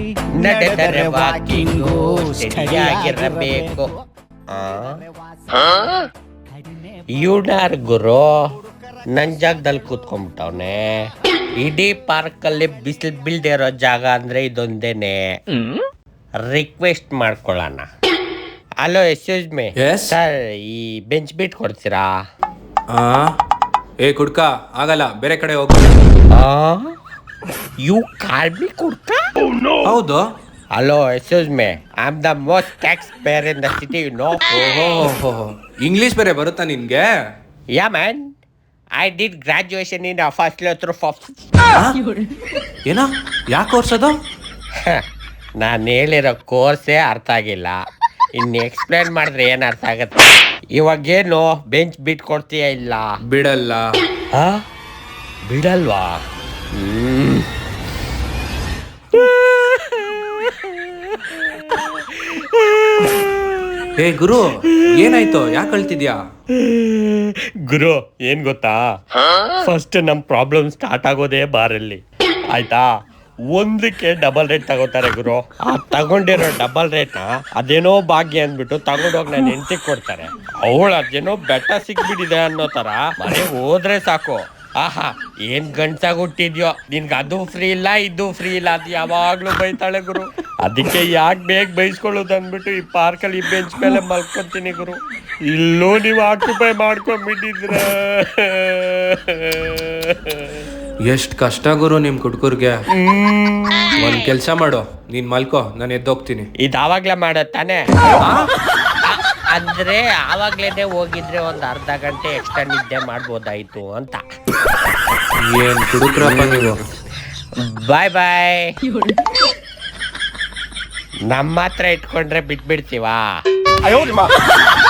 ನಡೆದರೆ ವಾಕಿಂಗು ಸರಿಯಾಗಿರಬೇಕು. ಇವನಾರ್ ಗುರು ನನ್ ಜಾಗದಲ್ಲಿ ಕೂತ್ಕೊಂಡ್ಬಿಟ್ಟವನೆ. ಇಡೀ ಪಾರ್ಕಲ್ಲಿ ಬಿಸಿಲು ಬೀಳ್ದೇ ಇರೋ ಜಾಗ ಅಂದ್ರೆ ಇದೊಂದೇನೆ. ರಿಕ್ವೆಸ್ಟ್ ಮಾಡ್ಕೊಳ್ಳೋಣ. ಹಲೋ ಎಕ್ಸ್ಕ್ಯೂಸ್ ಮೀ ಸರ್, ಈ ಬೆಂಚ್ ಬಿಟ್ ಕೊಡ್ತೀರಾ? ಏ ಕುಡ್ಕ ಆಗಲ್ಲ, ಬೇರೆ ಕಡೆ ಹೋಗು. ಯು ಕಾಲ್ ಮಿ ಕುಡ್ಕ? ಹೌದು. Hello excuse me, I am the most tax payer in the city, you know. ಓಹೋ, ಇಂಗ್ಲಿಷ್ ಬೇರೆ ಬರುತ್ತಾ ನಿನ್ಗೆ? Yeah man, I did graduation in first year through ಏನೋ ಯಾಕೆ ಕೋರ್ಸ್ ಅದು? ನಾನು ಹೇಳಿರೋ ಕೋರ್ಸೇ ಅರ್ಥ ಆಗಿಲ್ಲ, ಇನ್ನು ಎಕ್ಸ್ಪ್ಲೇನ್ ಮಾಡಿದ್ರೆ ಏನು ಅರ್ಥ ಆಗತ್ತೆ? ಇವಾಗೇನು ಬೆಂಚ್ ಬಿಟ್ ಕೊಡ್ತೀಯ? ಇಲ್ಲ ಬಿಡಲ್ಲ. ಬಿಡಲ್ವಾ? ಏ ಗುರು, ಏನಾಯ್ತು? ಯಾಕೆ ಅಳ್ತಿದ್ಯಾ? ಗುರು ಏನ್ ಗೊತ್ತಾ, ಫಸ್ಟ್ ನಮ್ ಪ್ರಾಬ್ಲಮ್ ಸ್ಟಾರ್ಟ್ ಆಗೋದೇ ಬಾರಲ್ಲಿ, ಆಯ್ತಾ? ಒಂದಕ್ಕೆ ಡಬಲ್ ರೇಟ್ ತಗೋತಾರೆ ಗುರು. ಆ ತಗೊಂಡಿರೋ ಡಬಲ್ ರೇಟ್ನ ಅದೇನೋ ಭಾಗ್ಯ ಅಂದ್ಬಿಟ್ಟು ತಗೊಂಡೋಗಿ ನಾನು ಹೆಂಡತಿಗೆ ಕೊಡ್ತಾರೆ. ಅವಳು ಅದೇನೋ ಬೆಟ್ಟ ಸಿಕ್ಬಿಟ್ಟಿದೆ ಅನ್ನೋ ತರ ಮನೆ ಹೋದ್ರೆ ಸಾಕು, ಆಹಾ ಏನ್ ಗಂಡ್ಸಾಗಿ ಹುಟ್ಟಿದ್ಯೋ, ನಿನ್ಗೆ ಅದು ಫ್ರೀ ಇಲ್ಲ ಇದು ಫ್ರೀ ಇಲ್ಲ ಅದು ಯಾವಾಗ್ಲೂ ಬೈತಾಳೆ ಗುರು. ಅದಕ್ಕೆ ಯಾಕೆ ಬೇಗ ಬೈಸ್ಕೊಳ್ಳೋದು ಅಂದ್ಬಿಟ್ಟು ಈ ಪಾರ್ಕಲ್ಲಿ ಈ ಬೆಂಚ್ ಮೇಲೆ ಮಲ್ಕೊಂತೀನಿ ಗುರು. ಇಲ್ಲೂ ನೀವು ಆಕ್ಯುಪೈ ಮಾಡ್ಕೊಂಡ್ಬಿಟ್ಟಿದ್ರ. ಎಷ್ಟ್ ಕಷ್ಟ ಗುರು ನಿಮ್ ಕುಡ್ಕುರ್ಗೆ. ಒಂದ್ ಕೆಲ್ಸ ಮಾಡು, ನೀನ್ ಮಲ್ಕೋ, ನಾನು ಎದ್ದೋಗ್ತೀನಿ. ಇದಾವಾಗ್ಲೇ ಮಾಡತ್ತಾನೆ? ಅಂದ್ರೆ ಆವಾಗ್ಲೇನೆ ಹೋಗಿದ್ರೆ ಒಂದ್ ಅರ್ಧ ಗಂಟೆ ಎಕ್ಸ್ಟ್ರಾ ನಿದ್ದೆ ಮಾಡ್ಬೋದಾಯ್ತು ಅಂತ. ಏನ್ ಕುಡುಕ್ರಪ್ಪ ನೀವು. ಬಾಯ್ ಬಾಯ್. ನಮ್ಮ ಹತ್ರ ಇಟ್ಕೊಂಡ್ರೆ ಬಿಟ್ಬಿಡ್ತೀವಾ?